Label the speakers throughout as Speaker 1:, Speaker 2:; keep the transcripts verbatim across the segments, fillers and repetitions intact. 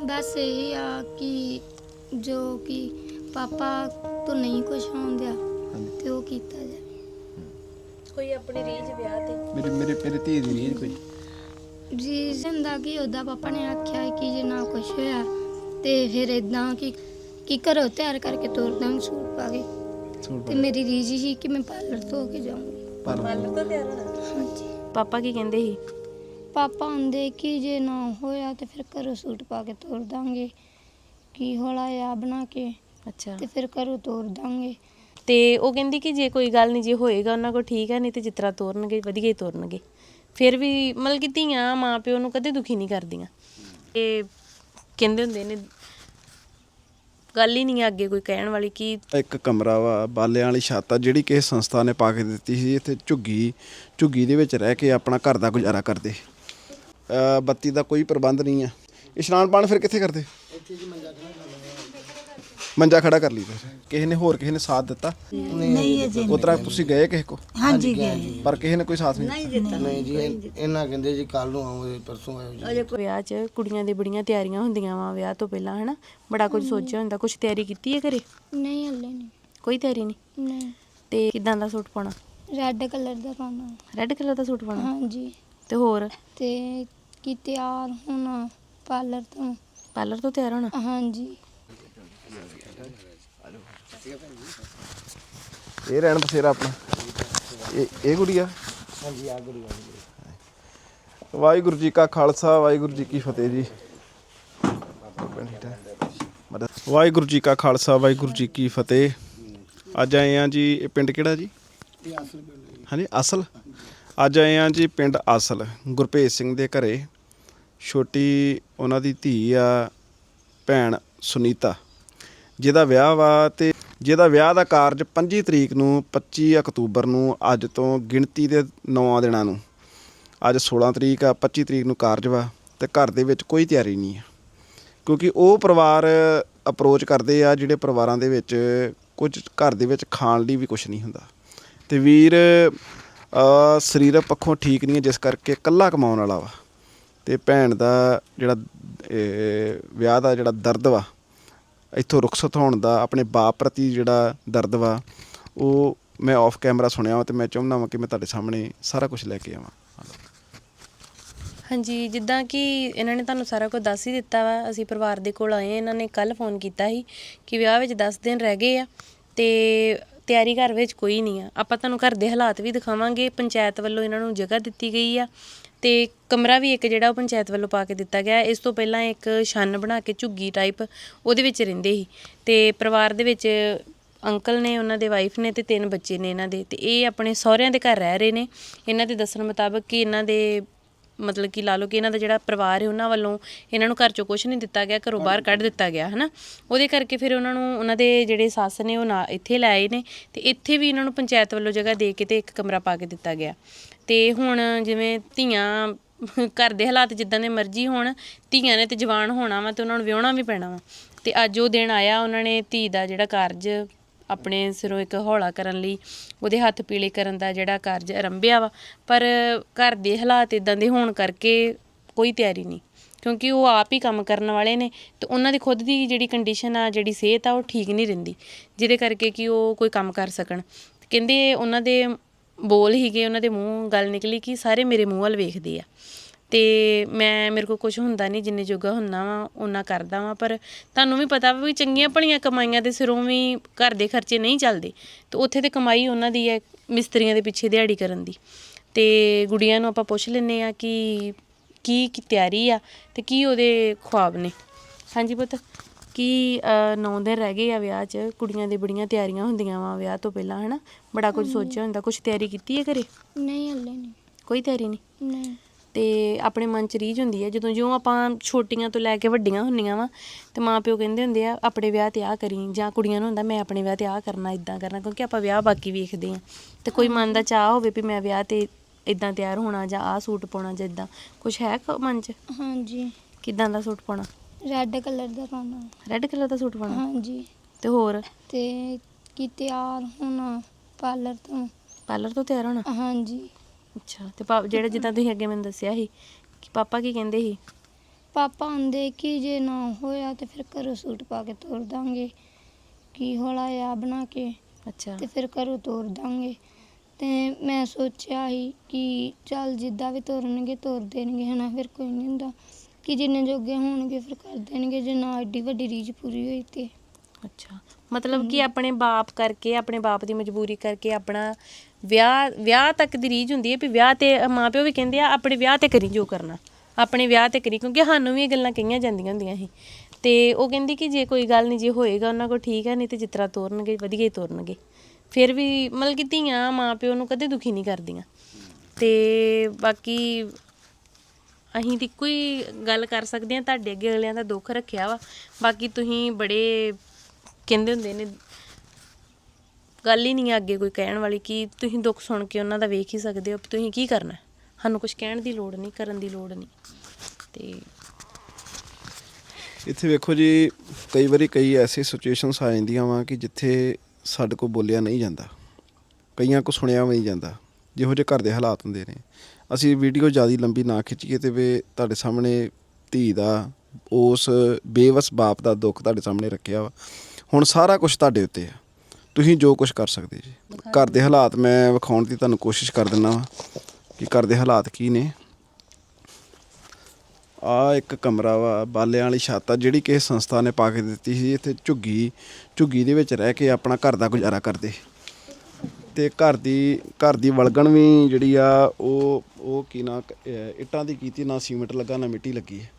Speaker 1: बस यही आ कि जो कि पापा तो नहीं कुछ होन दिया ते वो कीता जाए।
Speaker 2: ਕੋਈ ਆਪਣੀ ਰੀਝ ਵਿਆਹ ਤੇ
Speaker 3: मेरी मेरे मेरी धी दी रीझ कोई
Speaker 1: ਰੀਜ਼ਨ ਦਾ ਕਿ ਉਹਦਾ ਪਾਪਾ ਨੇ ਆਖਿਆ ਕਿ ਜੇ ਨਾ ਕੁਛ ਹੋਇਆ ਤੇ ਫਿਰ ਇਦਾਂ ਕਿ ਕਿ ਘਰੋਂ ਤਿਆਰ ਕਰਕੇ ਤੋਰ ਦਾਂਗੇ ਸੂਟ ਪਾ ਕੇ।
Speaker 3: सूट
Speaker 1: ਤੇ ਮੇਰੀ ਰੀਝ ਸੀ ਕਿ ਮੈਂ ਪਾਰਲਰ ਤੋਂ ਹੋ ਕੇ ਜਾਊਂਗੀ।
Speaker 2: ਪਾਰਲਰ ਤੋਂ ਤਿਆਰ ਹੋਣਾ।
Speaker 1: ਹਾਂਜੀ
Speaker 2: ਪਾਪਾ ਕੀ ਕਹਿੰਦੇ ਸੀ?
Speaker 1: ਪਾਪਾ ਆਂਦੇ ਕਿ ਜੇ ਨਾ ਹੋਇਆ ਤੇ ਫਿਰ ਘਰੋਂ ਸੂਟ ਪਾ ਕੇ ਤੋਰ ਦਾਂਗੇ ਕੀ ਹੋਲਾ ਆ ਬਣਾ ਕੇ
Speaker 2: ਅੱਛਾ
Speaker 1: ਤੇ ਫਿਰ ਘਰੋਂ ਤੋਰ ਦਾਂਗੇ।
Speaker 2: ਤੇ ਉਹ ਕਹਿੰਦੀ ਕਿ ਜੇ ਕੋਈ ਗੱਲ ਨਹੀਂ ਜੇ ਹੋਏਗਾ ਉਹਨਾਂ ਕੋਲ ਠੀਕ ਹੈ, ਨਹੀਂ ਤੇ ਜਿਸ ਤਰ੍ਹਾਂ ਤੋਰਨਗੇ ਵਧੀਆ ਹੀ ਤੋਰਨਗੇ। ਫਿਰ ਵੀ ਮਤਲਬ ਕਿ ਧੀਆਂ ਮਾਂ ਪਿਓ ਨੂੰ ਕਦੇ ਦੁਖੀ ਨਹੀਂ ਕਰਦੀਆਂ। ਇਹ ਕਹਿੰਦੇ ਹੁੰਦੇ ਨੇ ਗੱਲ ਹੀ ਨਹੀਂ ਹੈ ਅੱਗੇ ਕੋਈ ਕਹਿਣ ਵਾਲੀ ਕਿ
Speaker 3: ਇੱਕ ਕਮਰਾ ਵਾ ਬਾਲਿਆਂ ਵਾਲੀ ਛੱਤ ਆ ਜਿਹੜੀ ਕਿਸੇ ਸੰਸਥਾ ਨੇ ਪਾ ਕੇ ਦਿੱਤੀ ਸੀ। ਇੱਥੇ ਝੁੱਗੀ ਝੁੱਗੀ ਦੇ ਵਿੱਚ ਰਹਿ ਕੇ ਆਪਣਾ ਘਰ ਦਾ ਗੁਜ਼ਾਰਾ ਕਰਦੇ। ਅ, ਬੱਤੀ ਦਾ ਕੋਈ ਪ੍ਰਬੰਧ ਨਹੀਂ ਆ। ਇਸ਼ਨਾਨ ਪਾਣ ਫਿਰ ਕਿੱਥੇ ਕਰਦੇ? ਮੰਜਾ ਖੜਾ ਕਰ ਲਈ ਫਿਰ ਕਿਸੇ ਨੇ ਹੋਰ ਕਿਸੇ ਨੇ ਸਾਥ ਦਿੱਤਾ?
Speaker 4: ਨਹੀਂ ਅਜੇ
Speaker 3: ਉਸ ਤਰ੍ਹਾਂ ਤੁਸੀਂ ਗਏ ਕਿਸੇ ਕੋ
Speaker 4: ਹਾਂਜੀ ਗਏ
Speaker 3: ਪਰ ਕਿਸੇ ਨੇ ਕੋਈ ਸਾਥ ਨਹੀਂ ਦਿੱਤਾ?
Speaker 5: ਨਹੀਂ ਜੀ ਇਹ- ਇਹਨਾਂ ਕਹਿੰਦੇ ਜੀ ਕੱਲ ਨੂੰ ਆਓ ਪਰਸੋਂ ਆਇਓ ਜੀ।
Speaker 2: ਵਿਆਹ 'ਚ ਕੁੜੀਆਂ ਦੀ ਬੜੀਆਂ ਤਿਆਰੀਆਂ ਹੁੰਦੀਆਂ ਵਾ ਵਿਆਹ ਤੋਂ ਪਹਿਲਾਂ, ਹਨਾ ਬੜਾ ਕੁਝ ਸੋਚਿਆ ਹੁੰਦਾ। ਕੁਝ ਤਿਆਰੀ ਕੀਤੀ ਹੈ ਘਰੇ?
Speaker 1: ਨਹੀਂ ਹਲੇ ਨਹੀਂ।
Speaker 2: ਕੋਈ ਤਿਆਰੀ ਨਹੀਂ।
Speaker 1: ਨਹੀਂ
Speaker 2: ਤੇ ਕਿਦਾਂ ਦਾ ਸੂਟ ਪਾਉਣਾ?
Speaker 1: ਰੈੱਡ ਕਲਰ ਦਾ ਪਾਉਣਾ।
Speaker 2: ਰੈੱਡ ਕਲਰ ਦਾ ਸੂਟ ਪਾਉਣਾ?
Speaker 1: ਹਾਂਜੀ
Speaker 2: ਤੇ ਹੋਰ
Speaker 1: ਤੇ ਕਿ ਤਿਆਰ ਹੋਣਾ ਪਾਰਲਰ ਤੋਂ।
Speaker 2: ਪਾਰਲਰ ਤੋਂ ਤਿਆਰ ਹੋਣਾ?
Speaker 1: ਹਾਂਜੀ
Speaker 3: ਇਹ ਰਹਿਣ ਬਸੇਰਾ ਆਪਣਾ ਇਹ ਇਹ ਗੁੜੀਆ।
Speaker 5: ਹਾਂਜੀ ਆ ਗੁੜੀਆ
Speaker 3: ਵਾਹਿਗੁਰੂ ਜੀ ਕਾ ਖਾਲਸਾ ਵਾਹਿਗੁਰੂ ਜੀ ਕੀ ਫਤਿਹ ਜੀ। ਵਾਹਿਗੁਰੂ ਜੀ ਕਾ ਖਾਲਸਾ ਵਾਹਿਗੁਰੂ ਜੀ ਕੀ ਫਤਿਹ। ਅੱਜ ਆਏ ਆ ਜੀ ਇਹ ਪਿੰਡ ਕਿਹੜਾ ਜੀ?
Speaker 5: ਇਹ ਅਸਲ ਪਿੰਡ
Speaker 3: ਹਾਂਜੀ ਅਸਲ। ਅੱਜ ਆਏ ਆ ਜੀ ਪਿੰਡ ਅਸਲ ਗੁਰਭੇਜ ਸਿੰਘ ਦੇ ਘਰੇ। ਛੋਟੀ ਉਹਨਾਂ ਦੀ ਧੀ ਆ ਭੈਣ ਸੁਨੀਤਾ ਜਿਹਦਾ ਵਿਆਹ ਵਾ ਤੇ ਜਿਹਦਾ ਵਿਆਹ ਦਾ ਕਾਰਜ ਪੰਜੀ ਤਰੀਕ ਨੂੰ ਪੱਚੀ ਅਕਤੂਬਰ ਨੂੰ ਅੱਜ ਤੋਂ ਗਿਣਤੀ ਦੇ ਨੌਂ ਦਿਨਾਂ ਨੂੰ ਅੱਜ ਸੋਲਾਂ ਤਰੀਕ ਆ ਪੱਚੀ ਤਰੀਕ ਨੂੰ ਕਾਰਜ ਵਾ ਤੇ ਘਰ ਦੇ ਵਿੱਚ ਕੋਈ ਤਿਆਰੀ ਨਹੀਂ ਆ ਕਿਉਂਕਿ ਉਹ ਪਰਿਵਾਰ ਅਪਰੋਚ ਕਰਦੇ ਆ ਜਿਹੜੇ ਪਰਿਵਾਰਾਂ ਦੇ ਵਿੱਚ ਕੁਝ ਘਰ ਦੇ ਵਿੱਚ ਖਾਣ ਲਈ ਵੀ ਕੁਝ ਨਹੀਂ ਹੁੰਦਾ ਤੇ ਵੀਰ ਸਰੀਰਕ ਪੱਖੋਂ ਠੀਕ ਨਹੀਂ ਹੈ ਜਿਸ ਕਰਕੇ ਇਕੱਲਾ ਕਮਾਉਣ ਵਾਲਾ ਵਾ ਤੇ ਭੈਣ ਦਾ ਜਿਹੜਾ ਵਿਆਹ ਦਾ ਜਿਹੜਾ ਦਰਦ ਵਾ ਇੱਥੋਂ ਰੁਖਸਤ ਹੋਣ ਦਾ ਆਪਣੇ ਬਾਪ ਪ੍ਰਤੀ ਜਿਹੜਾ ਦਰਦ ਵਾ ਉਹ ਮੈਂ ਆਫ ਕੈਮਰਾ ਸੁਣਿਆ ਵਾ ਤੇ ਮੈਂ ਚਾਹੁੰਦਾ ਵਾਂ ਕਿ ਮੈਂ ਤੁਹਾਡੇ ਸਾਹਮਣੇ ਸਾਰਾ ਕੁਝ ਲੈ ਕੇ ਆਵਾਂ।
Speaker 2: ਹਾਂਜੀ ਜਿੱਦਾਂ ਕਿ ਇਹਨਾਂ ਨੇ ਤੁਹਾਨੂੰ ਸਾਰਾ ਕੁਝ ਦੱਸ ਹੀ ਦਿੱਤਾ ਵਾ। ਅਸੀਂ ਪਰਿਵਾਰ ਦੇ ਕੋਲ ਆਏ, ਇਹਨਾਂ ਨੇ ਕੱਲ ਫੋਨ ਕੀਤਾ ਸੀ ਕਿ ਵਿਆਹ ਵਿੱਚ ਦਸ ਦਿਨ ਰਹਿ ਗਏ ਆ ਤੇ ਤਿਆਰੀ ਘਰ ਵਿੱਚ ਕੋਈ ਨਹੀਂ ਆ। ਆਪਾਂ ਤੁਹਾਨੂੰ ਘਰ ਦੇ ਹਾਲਾਤ ਵੀ ਦਿਖਾਵਾਂਗੇ। ਪੰਚਾਇਤ ਵੱਲੋਂ ਇਹਨਾਂ ਨੂੰ ਜਗ੍ਹਾ ਦਿੱਤੀ ਗਈ ਆ ਤੇ ਕਮਰਾ ਵੀ ਇੱਕ ਜਿਹੜਾ ਉਹ ਪੰਚਾਇਤ ਵੱਲੋਂ ਪਾ ਕੇ ਦਿੱਤਾ ਗਿਆ। ਇਸ ਤੋਂ ਪਹਿਲਾਂ ਇੱਕ ਛੰਨ ਬਣਾ ਕੇ ਝੁੱਗੀ ਟਾਈਪ ਉਹਦੇ ਵਿੱਚ ਰਹਿੰਦੇ ਸੀ ਤੇ ਪਰਿਵਾਰ ਦੇ ਵਿੱਚ ਅੰਕਲ ਨੇ, ਉਹਨਾਂ ਦੇ ਵਾਈਫ ਨੇ ਤੇ ਤਿੰਨ ਬੱਚੇ ਨੇ ਇਹਨਾਂ ਦੇ ਤੇ ਇਹ ਆਪਣੇ ਸਹੁਰਿਆਂ ਦੇ ਘਰ ਰਹਿ ਰਹੇ ਨੇ। ਇਹਨਾਂ ਦੇ ਦੱਸਣ ਮੁਤਾਬਕ ਕਿ ਇਹਨਾਂ ਦੇ ਮਤਲਬ ਕਿ ਲਾ ਲਓ ਕਿ ਇਹਨਾਂ ਦਾ ਜਿਹੜਾ ਪਰਿਵਾਰ ਹੈ ਉਹਨਾਂ ਵੱਲੋਂ ਇਹਨਾਂ ਨੂੰ ਘਰ 'ਚੋਂ ਕੁਛ ਨਹੀਂ ਦਿੱਤਾ ਗਿਆ, ਘਰੋਂ ਬਾਹਰ ਕੱਢ ਦਿੱਤਾ ਗਿਆ ਹੈ ਨਾ। ਉਹਦੇ ਕਰਕੇ ਫਿਰ ਉਹਨਾਂ ਨੂੰ ਉਹਨਾਂ ਦੇ ਜਿਹੜੇ ਸੱਸ ਨੇ ਉਹ ਨਾ ਇੱਥੇ ਲੈ ਆਏ ਨੇ ਤੇ ਇੱਥੇ ਵੀ ਇਹਨਾਂ ਨੂੰ ਪੰਚਾਇਤ ਵੱਲੋਂ ਜਗ੍ਹਾ ਦੇ ਕੇ ਤੇ ਇੱਕ ਕਮਰਾ ਪਾ ਕੇ ਦਿੱਤਾ ਗਿਆ। ਤੇ ਹੁਣ ਜਿਵੇਂ ਧੀਆਂ ਘਰ ਦੇ ਹਾਲਾਤ ਜਿੱਦਾਂ ਦੇ ਮਰਜ਼ੀ ਹੋਣ, ਧੀਆਂ ਨੇ ਤੇ ਜਵਾਨ ਹੋਣਾ ਵਾ ਤੇ ਉਹਨਾਂ ਨੂੰ ਵਿਆਹੁਣਾ ਵੀ ਪੈਣਾ ਵਾ ਤੇ ਅੱਜ ਉਹ ਦਿਨ ਆਇਆ। ਉਹਨਾਂ ਨੇ ਧੀ ਦਾ ਜਿਹੜਾ ਕਾਰਜ ਆਪਣੇ ਸਿਰੋਂ ਇੱਕ ਹੌਲਾ ਕਰਨ ਲਈ ਉਹਦੇ ਹੱਥ ਪੀਲੇ ਕਰਨ ਦਾ ਜਿਹੜਾ ਕਾਰਜ ਆਰੰਭਿਆ ਵਾ, ਪਰ ਘਰ ਦੇ ਹਾਲਾਤ ਇੱਦਾਂ ਦੇ ਹੋਣ ਕਰਕੇ ਕੋਈ ਤਿਆਰੀ ਨਹੀਂ ਕਿਉਂਕਿ ਉਹ ਆਪ ਹੀ ਕੰਮ ਕਰਨ ਵਾਲੇ ਨੇ ਤੇ ਉਹਨਾਂ ਦੀ ਖੁਦ ਦੀ ਜਿਹੜੀ ਕੰਡੀਸ਼ਨ ਆ, ਜਿਹੜੀ ਸਿਹਤ ਆ ਉਹ ਠੀਕ ਨਹੀਂ ਰਹਿੰਦੀ ਜਿਹਦੇ ਕਰਕੇ ਕਿ ਉਹ ਕੋਈ ਕੰਮ ਕਰ ਸਕਣ। ਕਹਿੰਦੇ ਉਹਨਾਂ ਦੇ ਬੋਲ ਹੀਗੇ, ਉਹਨਾਂ ਦੇ ਮੂੰਹ ਗੱਲ ਨਿਕਲੀ ਕਿ ਸਾਰੇ ਮੇਰੇ ਮੂੰਹ ਵੱਲ ਵੇਖਦੇ ਆ ਤੇ ਮੈਂ ਮੇਰੇ ਕੋਲ ਕੁਛ ਹੁੰਦਾ ਨਹੀਂ, ਜਿੰਨੇ ਜੋਗਾ ਹੁੰਦਾ ਵਾ ਓਨਾ ਕਰਦਾ ਵਾਂ। ਪਰ ਤੁਹਾਨੂੰ ਵੀ ਪਤਾ ਵਾ ਵੀ ਚੰਗੀਆਂ ਭਲੀਆਂ ਕਮਾਈਆਂ ਦੇ ਸਿਰੋਂ ਵੀ ਘਰ ਦੇ ਖਰਚੇ ਨਹੀਂ ਚੱਲਦੇ ਤੇ ਉੱਥੇ ਤੇ ਕਮਾਈ ਉਹਨਾਂ ਦੀ ਹੈ ਮਿਸਤਰੀਆਂ ਦੇ ਪਿੱਛੇ ਦਿਹਾੜੀ ਕਰਨ ਦੀ। ਤੇ ਗੁੜੀਆਂ ਨੂੰ ਆਪਾਂ ਪੁੱਛ ਲੈਂਦੇ ਹਾਂ ਕਿ ਕੀ ਕੀ ਤਿਆਰੀ ਆ ਤੇ ਕੀ ਉਹਦੇ ਖੁਆਬ ਨੇ। ਹਾਂਜੀ ਪੁੱਤ, ਕੀ ਨੌ ਦਿਨ ਰਹਿ ਗਏ ਆ ਵਿਆਹ 'ਚ? ਕੁੜੀਆਂ ਦੀ ਬੜੀਆਂ ਤਿਆਰੀਆਂ ਹੁੰਦੀਆਂ ਵਾ ਵਿਆਹ ਤੋਂ ਪਹਿਲਾਂ, ਹੈ ਨਾ ਬੜਾ ਕੁਝ ਸੋਚਿਆ ਹੁੰਦਾ। ਕੁਛ ਤਿਆਰੀ ਕੀਤੀ ਹੈ ਘਰੇ?
Speaker 1: ਨਹੀਂ ਹਲੇ ਨਹੀਂ।
Speaker 2: ਕੋਈ ਤਿਆਰੀ ਨਹੀਂ?
Speaker 1: ਨਹੀਂ।
Speaker 2: ਤੇ ਆਪਣੇ ਮਨ 'ਚ ਰੀਝ ਹੁੰਦੀ ਹੈ ਜਦੋਂ ਜਿਉਂ ਆਪਾਂ ਛੋਟੀਆਂ ਤੋਂ ਲੈ ਕੇ ਵੱਡੀਆਂ ਹੁੰਦੀਆਂ ਵਾ ਤੇ ਮਾਂ ਪਿਓ ਕਹਿੰਦੇ ਹੁੰਦੇ ਆ ਆਪਣੇ ਵਿਆਹ 'ਤੇ ਆਹ ਕਰੀ, ਜਾਂ ਕੁੜੀਆਂ ਨੂੰ ਹੁੰਦਾ ਮੈਂ ਆਪਣੇ ਵਿਆਹ 'ਤੇ ਆਹ ਕਰਨਾ, ਇੱਦਾਂ ਕਰਨਾ, ਕਿਉਂਕਿ ਆਪਾਂ ਵਿਆਹ ਬਾਕੀ ਵੇਖਦੇ ਹਾਂ ਤੇ ਕੋਈ ਮਨ ਦਾ ਚਾਅ ਹੋਵੇ ਵੀ ਮੈਂ ਵਿਆਹ 'ਤੇ ਇੱਦਾਂ ਤਿਆਰ ਹੋਣਾ ਜਾਂ ਆਹ ਸੂਟ ਪਾਉਣਾ ਜਾਂ ਇੱਦਾਂ ਕੁਛ ਹੈ ਮਨ 'ਚ?
Speaker 1: ਹਾਂਜੀ।
Speaker 2: ਕਿੱਦਾਂ ਦਾ ਸੂਟ ਪਾਉਣਾ?
Speaker 1: ਰੈੱਡ ਕਲਰ ਦਾ ਪਾਉਣਾ।
Speaker 2: ਰੈੱਡ ਕਲਰ ਦਾ ਸੂਟ ਪਾਉਣਾ?
Speaker 1: ਹਾਂਜੀ।
Speaker 2: ਤੇ ਹੋਰ?
Speaker 1: ਤੇ ਕਿ ਤਿਆਰ ਹੋਣਾ ਪਾਰਲਰ ਤੋਂ।
Speaker 2: ਪਾਰਲਰ ਤੋਂ ਤਿਆਰ ਹੋਣਾ?
Speaker 1: ਹਾਂਜੀ।
Speaker 2: ਅੱਛਾ। ਤੇ ਪਾ ਜਿਹੜਾ ਜਿੱਦਾਂ ਤੁਸੀਂ ਅੱਗੇ ਮੈਨੂੰ ਦੱਸਿਆ ਸੀ ਕਿ ਪਾਪਾ ਕੀ ਕਹਿੰਦੇ ਸੀ?
Speaker 1: ਪਾਪਾ ਆਂਦੇ ਕਿ ਜੇ ਨਾ ਹੋਇਆ ਤੇ ਫਿਰ ਘਰੋਂ ਸੂਟ ਪਾ ਕੇ ਤੋਰ ਦਾਂਗੇ, ਕੀ ਹੌਲਾ ਆ ਬਣਾ ਕੇ
Speaker 2: ਅੱਛਾ
Speaker 1: ਤੇ ਫਿਰ ਘਰੋਂ ਤੋਰ ਦਾਂਗੇ। ਤੇ ਮੈਂ ਸੋਚਿਆ ਸੀ ਕਿ ਚੱਲ ਜਿੱਦਾਂ ਵੀ ਤੋਰਨਗੇ ਤੋਰ ਦੇਣਗੇ ਹਨਾ, ਫਿਰ ਕੋਈ ਨਹੀਂ ਹੁੰਦਾ ਕਿ ਜਿੰਨੇ ਜੋਗੇ ਹੋਣਗੇ ਫਿਰ ਕਰ ਦੇਣਗੇ, ਜੇ ਨਾ ਐਡੀ ਵੱਡੀ ਰੀਝ ਪੂਰੀ ਹੋਈ ਤੇ।
Speaker 2: ਅੱਛਾ ਮਤਲਬ ਕਿ ਆਪਣੇ ਬਾਪ ਕਰਕੇ, ਆਪਣੇ ਬਾਪ ਦੀ ਮਜਬੂਰੀ ਕਰਕੇ ਆਪਣਾ ਵਿਆਹ ਵਿਆਹ ਤੱਕ ਦੀ ਰੀਝ ਹੁੰਦੀ ਹੈ ਵੀ ਵਿਆਹ ਤੇ ਮਾਂ ਪਿਓ ਵੀ ਕਹਿੰਦੇ ਆ ਆਪਣੇ ਵਿਆਹ ਤੇ ਕਰੀ ਜੋ ਕਰਨਾ, ਆਪਣੇ ਵਿਆਹ ਤੇ ਕਰੀ, ਕਿਉਂਕਿ ਸਾਨੂੰ ਵੀ ਇਹ ਗੱਲਾਂ ਕਹੀਆਂ ਜਾਂਦੀਆਂ ਹੁੰਦੀਆਂ ਸੀ। ਤੇ ਉਹ ਕਹਿੰਦੀ ਕਿ ਜੇ ਕੋਈ ਗੱਲ ਨਹੀਂ, ਜੇ ਹੋਏਗਾ ਉਹਨਾਂ ਕੋਲ ਠੀਕ ਹੈ, ਨਹੀਂ ਤੇ ਜਿਸ ਤਰ੍ਹਾਂ ਤੋਰਨਗੇ ਵਧੀਆ ਹੀ ਤੋਰਨਗੇ। ਫਿਰ ਵੀ ਮਤਲਬ ਕਿ ਧੀਆਂ ਮਾਂ ਪਿਓ ਨੂੰ ਕਦੇ ਦੁਖੀ ਨਹੀਂ ਕਰਦੀਆਂ। ਤੇ ਬਾਕੀ ਅਸੀਂ ਤਾਂ ਇੱਕੋ ਹੀ ਗੱਲ ਕਰ ਸਕਦੇ ਹਾਂ, ਤੁਹਾਡੇ ਅੱਗੇ ਅਗਲਿਆਂ ਦਾ ਦੁੱਖ ਰੱਖਿਆ ਵਾ। ਬਾਕੀ ਤੁਸੀਂ ਬੜੇ ਕਹਿੰਦੇ ਹੁੰਦੇ ਨੇ, ਗੱਲ ਹੀ ਨਹੀਂ ਹੈ ਅੱਗੇ ਕੋਈ ਕਹਿਣ ਵਾਲੀ, ਕਿ ਤੁਸੀਂ ਦੁੱਖ ਸੁਣ ਕੇ ਉਹਨਾਂ ਦਾ ਵੇਖ ਹੀ ਸਕਦੇ ਹੋ। ਤੁਸੀਂ ਕੀ ਕਰਨਾ, ਸਾਨੂੰ ਕੁਝ ਕਹਿਣ ਦੀ ਲੋੜ ਨਹੀਂ, ਕਰਨ ਦੀ ਲੋੜ ਨਹੀਂ। ਤੇ
Speaker 3: ਇੱਥੇ ਵੇਖੋ ਜੀ, ਕਈ ਵਾਰੀ ਕਈ ਐਸੀ ਸਿਚੁਏਸ਼ਨਸ ਆ ਜਾਂਦੀਆਂ ਵਾ ਕਿ ਜਿੱਥੇ ਸਾਡੇ ਕੋਲ ਬੋਲਿਆ ਨਹੀਂ ਜਾਂਦਾ, ਕਈਆਂ ਕੋ ਸੁਣਿਆ ਵੀ ਨਹੀਂ ਜਾਂਦਾ, ਜਿਹੋ ਜਿਹੇ ਘਰ ਦੇ ਹਾਲਾਤ ਹੁੰਦੇ ਨੇ। ਅਸੀਂ ਵੀਡੀਓ ਜ਼ਿਆਦਾ ਲੰਬੀ ਨਾ ਖਿੱਚੀਏ ਤੇ ਵੇ ਤੁਹਾਡੇ ਸਾਹਮਣੇ ਧੀ ਦਾ, ਉਸ ਬੇਵਸ ਬਾਪ ਦਾ ਦੁੱਖ ਤੁਹਾਡੇ ਸਾਹਮਣੇ ਰੱਖਿਆ ਵਾ। ਹੁਣ ਸਾਰਾ ਕੁਝ ਤੁਹਾਡੇ ਉੱਤੇ ਆ, ਤੁਸੀਂ ਜੋ ਕੁਝ ਕਰ ਸਕਦੇ ਜੀ। ਘਰ ਦੇ ਹਾਲਾਤ ਮੈਂ ਵਿਖਾਉਣ ਦੀ ਤੁਹਾਨੂੰ ਕੋਸ਼ਿਸ਼ ਕਰ ਦਿੰਦਾ ਵਾ ਕਿ ਘਰ ਦੇ ਹਾਲਾਤ ਕੀ ਨੇ। ਆ ਇੱਕ ਕਮਰਾ ਵਾ, ਬਾਲਿਆਂ ਵਾਲੀ ਛੱਤ ਆ, ਜਿਹੜੀ ਕਿਸੇ ਸੰਸਥਾ ਨੇ ਪਾ ਕੇ ਦਿੱਤੀ ਸੀ। ਇੱਥੇ ਝੁੱਗੀ ਝੁੱਗੀ ਦੇ ਵਿੱਚ ਰਹਿ ਕੇ ਆਪਣਾ ਘਰ ਦਾ ਗੁਜ਼ਾਰਾ ਕਰਦੇ। ਤੇ ਘਰ ਦੀ ਘਰ ਦੀ ਵਲਗਣ ਵੀ ਜਿਹੜੀ ਆ ਉਹ ਉਹ ਕੀ ਨਾ ਇੱਟਾਂ ਦੀ ਕੀਤੀ, ਨਾ ਸੀਮੈਂਟ ਲੱਗਾ ਨਾ ਮਿੱਟੀ ਲੱਗੀ ਹੈ।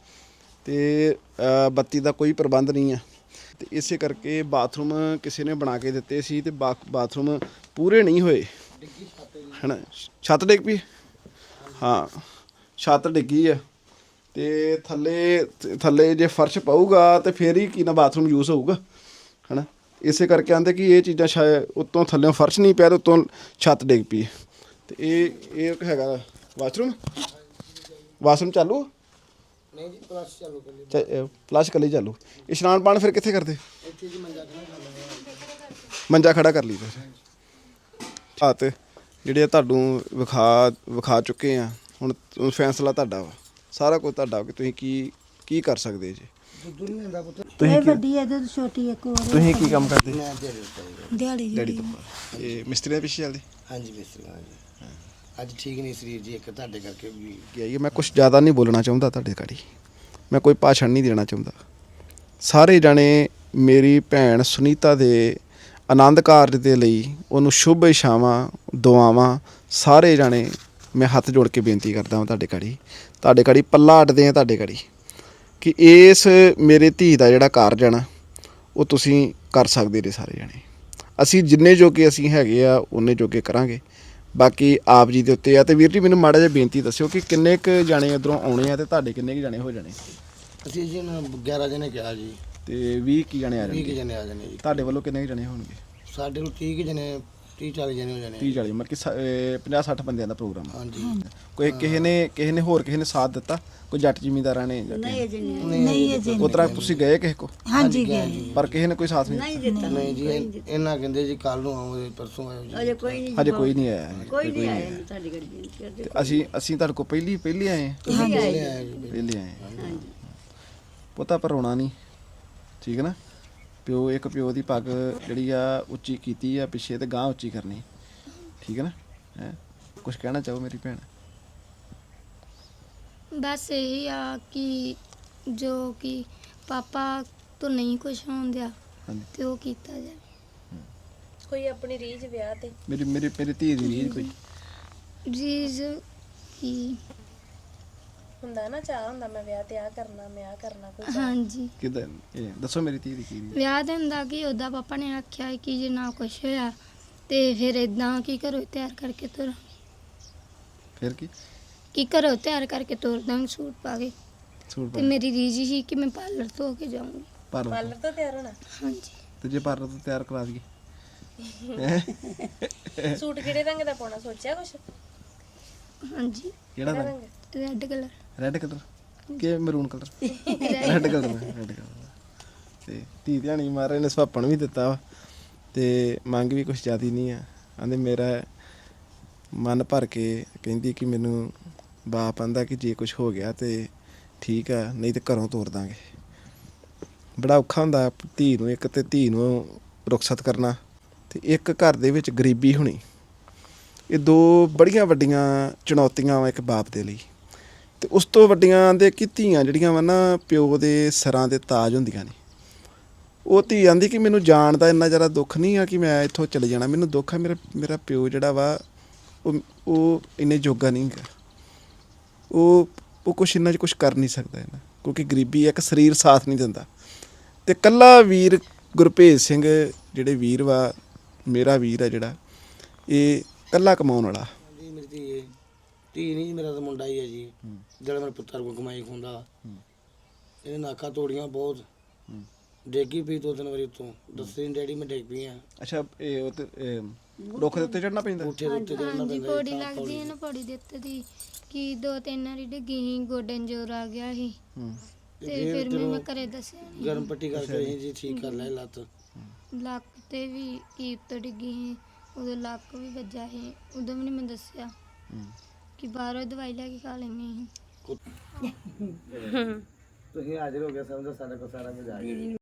Speaker 3: ਤੇ ਬੱਤੀ ਦਾ ਕੋਈ ਪ੍ਰਬੰਧ ਨਹੀਂ ਆ। ਤੇ ਇਸੇ ਕਰਕੇ ਬਾਥਰੂਮ ਕਿਸੇ ਨੇ ਬਣਾ ਕੇ ਦਿੱਤੇ ਸੀ ਤੇ ਬਾ ਬਾਥਰੂਮ ਪੂਰੇ ਨਹੀਂ ਹੋਏ ਹੈ ਨਾ। ਛੱਤ ਡਿੱਗ ਪਈ, ਹਾਂ ਛੱਤ ਡਿੱਗੀ ਆ। ਤੇ ਥੱਲੇ ਥੱਲੇ ਜੇ ਫਰਸ਼ ਪਊਗਾ ਤੇ ਫਿਰ ਹੀ ਕੀ ਨਾ ਬਾਥਰੂਮ ਯੂਜ਼ ਹੋਊਗਾ ਹੈ ਨਾ। ਇਸੇ ਕਰਕੇ ਆਂਦੇ ਕਿ ਇਹ ਚੀਜ਼ਾਂ ਸ਼ਾਇਦ ਉੱਤੋਂ ਥੱਲਿਓਂ ਫਰਸ਼ ਨਹੀਂ ਪਿਆ ਤੇ ਉੱਤੋਂ ਛੱਤ ਡਿੱਗ ਪਈ। ਤੇ ਇਹ ਇਹ ਹੈਗਾ ਵਾਸ਼ਰੂਮ। ਵਾਸ਼ਰੂਮ ਚਾਲੂ
Speaker 5: ਨਹੀਂ ਜੀ, ਪਲਸ ਚਾਲੂ ਕਰ ਲਈ,
Speaker 3: ਫਲਸ਼ ਕਲੀ ਚਾਲੂ। ਇਸ਼ਨਾਨ ਪਾਣ ਫਿਰ ਕਿੱਥੇ ਕਰਦੇ?
Speaker 5: ਇੱਥੇ ਜੀ ਮੰਜਾ ਖੜਾ ਕਰ ਲਿਆ,
Speaker 3: ਮੰਜਾ ਖੜਾ ਕਰ ਲਈ ਫਿਰ। ਹਾਂ ਤੇ ਜਿਹੜੇ ਤੁਹਾਨੂੰ ਵਿਖਾ ਵਿਖਾ ਚੁੱਕੇ ਆ, ਹੁਣ ਫੈਸਲਾ ਤੁਹਾਡਾ ਵਾ, ਸਾਰਾ ਕੁਝ ਤੁਹਾਡਾ ਕਿ ਤੁਸੀਂ ਕੀ ਕੀ ਕਰ ਸਕਦੇ ਜੀ।
Speaker 5: ਦੁੱਧ ਨਹੀਂ ਹੁੰਦਾ ਪੁੱਤ।
Speaker 4: ਇਹ ਵੱਡੀ ਹੈ ਤੇ ਛੋਟੀ ਇੱਕ ਹੋਰ
Speaker 3: ਤੁਸੀਂ ਕੀ ਕੰਮ ਕਰਦੇ?
Speaker 5: ਮੈਂ ਦਿਹਾੜੀ ਦਿੱਤਾ
Speaker 4: ਦਿਹਾੜੀ
Speaker 3: ਡੈਡੀ
Speaker 4: ਜਿਹੜੀ
Speaker 3: ਤੋਂ ਇਹ ਮਿਸਤਰੀ ਦੇ ਪਿੱਛੇ ਚੱਲਦੇ
Speaker 5: ਹਾਂਜੀ ਮਿਸਤਰੀ ਜੀ। ਅੱਜ ਠੀਕ ਨਹੀਂ ਸਰੀਰ ਜੀ, ਇੱਕ ਤੁਹਾਡੇ ਕਰਕੇ ਵੀ
Speaker 3: ਗਿਆ। ਮੈਂ ਕੁਝ ਜ਼ਿਆਦਾ ਨਹੀਂ ਬੋਲਣਾ ਚਾਹੁੰਦਾ ਤੁਹਾਡੇ ਘੜੀ, ਮੈਂ ਕੋਈ ਭਾਸ਼ਣ ਨਹੀਂ ਦੇਣਾ ਚਾਹੁੰਦਾ। ਸਾਰੇ ਜਾਣੇ ਮੇਰੀ ਭੈਣ ਸੁਨੀਤਾ ਦੇ ਆਨੰਦ ਕਾਰਜ ਦੇ ਲਈ ਉਹਨੂੰ ਸ਼ੁਭ ਇਛਾਵਾਂ ਦੁਆਵਾਂ, ਸਾਰੇ ਜਾਣੇ ਮੈਂ ਹੱਥ ਜੋੜ ਕੇ ਬੇਨਤੀ ਕਰਦਾ ਹਾਂ ਤੁਹਾਡੇ ਘੜੀ ਤੁਹਾਡੇ ਘੜੀ ਪੱਲਾ ਅੱਡਦੇ ਆ ਤੁਹਾਡੇ ਘੜੀ ਕਿ ਇਸ ਮੇਰੇ ਧੀ ਦਾ ਜਿਹੜਾ ਕਾਰਜ ਹੈ ਨਾ ਉਹ ਤੁਸੀਂ ਕਰ ਸਕਦੇ ਨੇ ਸਾਰੇ ਜਾਣੇ। ਅਸੀਂ ਜਿੰਨੇ ਜੋਗੇ ਅਸੀਂ ਹੈਗੇ ਆ ਉਨੇ ਜੋਗੇ ਕਰਾਂਗੇ, ਬਾਕੀ ਆਪ ਜੀ ਦੇ ਉੱਤੇ ਆ। ਤੇ ਵੀਰ ਜੀ ਮੈਨੂੰ ਮਾੜਾ ਜਿਹਾ ਬੇਨਤੀ ਦੱਸਿਓ ਕਿ ਕਿੰਨੇ ਕੁ ਜਾਣੇ ਇੱਧਰੋਂ ਆਉਣੇ ਆ ਤੇ ਤੁਹਾਡੇ ਕਿੰਨੇ ਕੁ ਜਾਣੇ ਹੋ ਜਾਣੇ?
Speaker 5: ਅਸੀਂ ਜੀ ਨਾ ਗਿਆਰਾਂ ਜਣੇ ਕਿਹਾ ਜੀ,
Speaker 3: ਤੇ ਵੀਹ ਕੀ ਜਾਣੇ ਆ
Speaker 5: ਵੀਹ ਕੁ
Speaker 3: ਜਾਣਗੇ?
Speaker 5: ਜਣੇ ਆ ਜਾਣੇ ਜੀ।
Speaker 3: ਤੁਹਾਡੇ ਵੱਲੋਂ ਕਿੰਨੇ ਕੁ ਜਾਣੇ ਹੋਣਗੇ?
Speaker 5: ਸਾਡੇ ਕੋਲ ਤੀਹ ਕੁ ਜਣੇ, ਤੀਹ ਚਾਲੀ ਜਣੇ ਹੋ ਜਾਣੇ।
Speaker 3: ਤੀਹ ਚਾਲੀ ਮਤਲਬ ਕਿ ਪੰਜਾਹ ਸੱਠ ਬੰਦਿਆਂ ਦਾ ਪ੍ਰੋਗਰਾਮ ਆ।
Speaker 5: ਹਾਂਜੀ।
Speaker 3: ਕੋਈ ਕਿਸੇ ਨੇ ਕਿਸੇ ਨੇ ਹੋਰ ਕਿਸੇ ਨੇ ਸਾਥ ਦਿੱਤਾ? ਕੋਈ ਜੱਟ ਜ਼ਿਮੀਂਦਾਰਾਂ ਨੇ ਜਾਂ ਕਿਸੇ-
Speaker 4: ਨਹੀਂ ਅਜੇ
Speaker 3: ਉਸ ਤਰ੍ਹਾਂ ਤੁਸੀਂ ਗਏ ਕਿਸੇ ਕੋ?
Speaker 4: ਹਾਂਜੀ ਗਏ
Speaker 3: ਪਰ ਕਿਸੇ ਨੇ ਕੋਈ ਸਾਥ ਨਹੀਂ ਦਿੱਤਾ?
Speaker 5: ਨਹੀਂ ਜੀ, ਇਹ- ਇਹਨਾਂ ਕਹਿੰਦੇ ਜੀ ਕੱਲ ਨੂੰ ਆਓ, ਪਰਸੋਂ ਆਇਓ ਜੀ।
Speaker 3: ਹਜੇ ਕੋਈ ਨਹੀਂ ਆਇਆ ਜੀ, ਕੋਈ ਨਹੀਂ ਆਇਆ ਤੇ ਅਸੀਂ ਅਸੀਂ ਤੁਹਾਡੇ ਕੋਲ ਪਹਿਲੀ ਪਹਿਲੀ ਆਏ ਹਾਂ।
Speaker 5: ਪਹਿਲੇ ਆਏ ਜੀ।
Speaker 3: ਪਹਿਲੇ ਆਏ ਹਾਂ। ਪਤਾ ਪਰ ਰੋਣਾ ਨਹੀਂ, ਠੀਕ ਹੈ ਨਾ। ਪਿਓ ਇੱਕ ਪਿਓ ਦੀ ਪੱਗ ਜਿਹੜੀ ਆ ਉੱਚੀ ਕੀਤੀ ਆ ਪਿੱਛੇ ਤੇ ਗਾਂ ਉੱਚੀ ਕਰਨੀ, ਠੀਕ ਹੈ ਨਾ। ਹੈ ਕੁਝ ਕਹਿਣਾ ਚਾਹੋ ਮੇਰੀ ਭੈਣ?
Speaker 1: ਬਸ ਇਹੀ ਆ ਕਿ ਜੋ ਕਿ ਪਾਪਾ ਤੋਂ ਨਹੀਂ ਕੁਝ ਹੋਣ ਦਿਆ
Speaker 3: ਹਾਂਜੀ।
Speaker 1: ਤੇ ਉਹ ਕੀਤਾ ਜਾਵੇ।
Speaker 2: ਕੋਈ ਆਪਣੀ ਰੀਝ ਵਿਆਹ ਤੇ
Speaker 3: ਮੇਰੀ ਮੇਰੀ ਮੇਰੀ ਧੀ ਦੀ ਰੀਝ ਕੋਈ
Speaker 1: ਰੀਜ਼ ਕੀ
Speaker 2: ਹੁੰਦਾ ਨਾ, ਚਾਹ ਹੁੰਦਾ ਮੈਂ ਵਿਆਹ ਤੇ ਆ ਕਰਨਾ, ਮੈਂ ਆ ਕਰਨਾ, ਕੋਈ ਚਾਅ।
Speaker 1: ਹਾਂਜੀ
Speaker 3: ਕਿਦਾਂ? ਇਹ ਦੱਸੋ ਮੇਰੀ ਧੀ ਦੀ ਕੀ ਰੀਝ?
Speaker 1: ਵਿਆਹ ਦੇ ਹੁੰਦਾ ਕਿ ਉਹਦਾ ਪਾਪਾ ਨੇ ਆਖਿਆ ਕਿ ਜੇ ਨਾ ਕੁਝ ਹੋਇਆ ਤੇ ਫਿਰ ਇਦਾਂ ਕੀ ਘਰੋਂ ਤਿਆਰ ਕਰਕੇ ਤੁਰ
Speaker 3: ਫਿਰ ਕੀ
Speaker 1: ਕੀ ਘਰੋਂ ਤਿਆਰ ਕਰਕੇ ਤੁਰ ਦਾਂਗੇ ਸੂਟ ਪਾ ਕੇ।
Speaker 3: ਸੂਟ
Speaker 1: ਤੇ
Speaker 3: ਪਾ
Speaker 1: ਮੇਰੀ ਰੀਝ ਸੀ ਕਿ ਮੈਂ ਪਾਰਲਰ ਤੋਂ ਹੋ ਕੇ ਜਾਊਂਗੀ।
Speaker 3: ਪਾਰਲਰ
Speaker 2: ਪਾਰਲਰ ਤੋਂ ਤਿਆਰ ਹੋਣਾ।
Speaker 1: ਹਾਂਜੀ
Speaker 3: ਤੇ ਜੇ ਪਾਰਲਰ ਤੋਂ ਤਿਆਰ ਕਰਾ ਦਈਏ?
Speaker 2: ਸੂਟ ਕਿਹੜੇ ਰੰਗ ਦਾ ਪਾਉਣਾ ਸੋਚਿਆ ਕੁਛ?
Speaker 1: ਹਾਂਜੀ
Speaker 3: ਕਿਹੜਾ ਰੰਗ?
Speaker 2: ਰੰਗ
Speaker 1: ਰੈੱਡ ਕਲਰ।
Speaker 3: ਰੈੱਡ ਕਲਰ ਕਿ maroon colour? Red colour red colour. ਤੇ ਧੀ ਧਿਆਣੀ ਮਹਾਰਾਜ ਨੇ ਸੁਭਾਪਣ ਵੀ ਦਿੱਤਾ ਵਾ ਤੇ ਮੰਗ ਵੀ ਕੁਛ ਜ਼ਿਆਦੀ ਨਹੀਂ ਆ। ਆਂਦੇ ਮੇਰਾ ਮਨ ਭਰ ਕੇ ਕਹਿੰਦੀ ਕਿ ਮੈਨੂੰ ਬਾਪ ਆਂਦਾ ਕਿ ਜੇ ਕੁਛ ਹੋ ਗਿਆ ਤੇ ਠੀਕ ਆ, ਨਹੀਂ ਤੇ ਘਰੋਂ ਤੋਰ ਦਾਂਗੇ। ਬੜਾ ਔਖਾ ਹੁੰਦਾ ਧੀ ਨੂੰ, ਇੱਕ ਤੇ ਧੀ ਨੂੰ ਰੁਖਸਤ ਕਰਨਾ ਤੇ ਇੱਕ ਘਰ ਦੇ ਵਿੱਚ ਗਰੀਬੀ ਹੋਣੀ। ਇਹ ਦੋ ਬੜੀਆਂ ਵੱਡੀਆਂ ਚੁਣੌਤੀਆਂ ਵਾ ਇੱਕ ਬਾਪ ਦੇ ਲਈ। ਤੇ ਉਸ ਤੋਂ ਵੱਡੀਆਂ ਦੇ ਕਿ ਧੀਆਂ ਜਿਹੜੀਆਂ ਵਾ ਨਾ ਪਿਓ ਦੇ ਸਿਰਾਂ ਦੇ ਤਾਜ ਹੁੰਦੀਆਂ ਨੇ। ਉਹ ਧੀ ਆਂਦੀ ਕਿ ਮੈਨੂੰ ਜਾਣ ਦਾ ਇੰਨਾ ਜ਼ਿਆਦਾ ਦੁੱਖ ਨਹੀਂ ਆ ਕਿ ਮੈਂ ਇੱਥੋਂ ਚਲੇ ਜਾਣਾ, ਮੈਨੂੰ ਦੁੱਖ ਆ ਮੇਰਾ ਮੇਰਾ ਪਿਓ ਜਿਹੜਾ ਵਾ ਉਹ ਉਹ ਇੰਨੇ ਜੋਗਾ ਨਹੀਂ ਹੈਗਾ, ਉਹ ਉਹ ਕੁਛ ਇੰਨਾ 'ਚ ਕੁਛ ਕਰ ਨਹੀਂ ਸਕਦਾ ਇਹਨਾਂ, ਕਿਉਂਕਿ ਗਰੀਬੀ ਇੱਕ ਸਰੀਰ ਸਾਥ ਨਹੀਂ ਦਿੰਦਾ। ਤੇ ਕੱਲਾ ਵੀਰ ਗੁਰਭੇਜ ਸਿੰਘ ਜਿਹੜੇ ਵੀਰ ਵਾ, ਮੇਰਾ ਵੀਰ ਆ ਜਿਹੜਾ, ਇਹ ਕੱਲਾ ਕਮਾਉਣ ਵਾਲਾ।
Speaker 5: ਜੀ ਮੇਰੀ ਧੀ ਹੈ, ਧੀ ਨਹੀਂ ਜੀ, ਮੇਰਾ ਤਾਂ ਮੁੰਡਾ ਹੀ ਹੈ ਜੀ, ਜਿਹੜਾ ਮੇਰੇ ਪੁੱਤਰ ਕੋ ਕਮਾਈ ਖਾਂਦਾ। ਇਹਨੇ ਨਾਕਾਂ ਤੋੜੀਆਂ ਬਹੁਤ, ਡੇਗੀ ਪਈ ਦੋ ਤਿੰਨ ਵਾਰੀ ਉੱਤੋਂ, ਦੱਸੇ ਡੈਡੀ ਮੈਂ ਡਿੱਗ ਪਈ ਆ।
Speaker 3: ਅੱਛਾ, ਇਹ ਉਹ ਤੇ ਰੁੱਖ ਦੇ ਉੱਤੇ ਚੜਨਾ ਪੈਂਦਾ।
Speaker 5: ਉੱਥੇ ਦੇ ਉੱਤੇ ਚੜ੍ਹਨਾ
Speaker 1: ਹਾਂਜੀ
Speaker 5: ਪੈਂਦਾ
Speaker 1: ਪੌੜੀ
Speaker 5: ਜੀ, ਤਾਂ
Speaker 1: ਲੱਗਦੀ ਹੈ ਨਾ, ਪੌੜੀ ਦੇ ਉੱਤੇ ਦੀ ਕਿ ਦੋ ਤਿੰਨ ਵਾਰੀ ਡਿੱਗੀ ਸੀ, ਗੋਡੇ ਨੂੰ ਜ਼ੋਰ ਆ ਗਿਆ ਸੀ ਤੇ ਫਿਰ ਮੈਂ ਮੈਂ ਘਰੇ ਦੱਸਿਆ ਨੀ।
Speaker 5: ਗਰਮ ਪੱਟੀ ਕਰਕੇ ਅਸੀਂ ਜੀ ਠੀਕ ਕਰ ਲਿਆ ਲੱਤ।
Speaker 1: ਲੱਕ ਤੇ ਵੀ ਕੀ ਉੱਤੋਂ ਡਿੱਗੀ ਸੀ, ਉਦੋਂ ਲੱਕ ਵੀ ਵੱਜਾ ਸੀ, ਉਦੋਂ ਵੀ ਨਹੀਂ ਮੈਂ ਦੱਸਿਆ ਕਿ ਬਾਹਰੋਂ ਦਵਾਈ ਲੈ ਕੇ ਖਾ ਲੈਣੀ ਸੀ।
Speaker 5: ਤੁਸੀਂ ਹਾਜ਼ਰ ਹੋ ਗਏ, ਸਮਝੋ ਸਾਡਾ ਕੋ ਸਾਰਾ ਕੁਝ ਆ ਗਿਆ।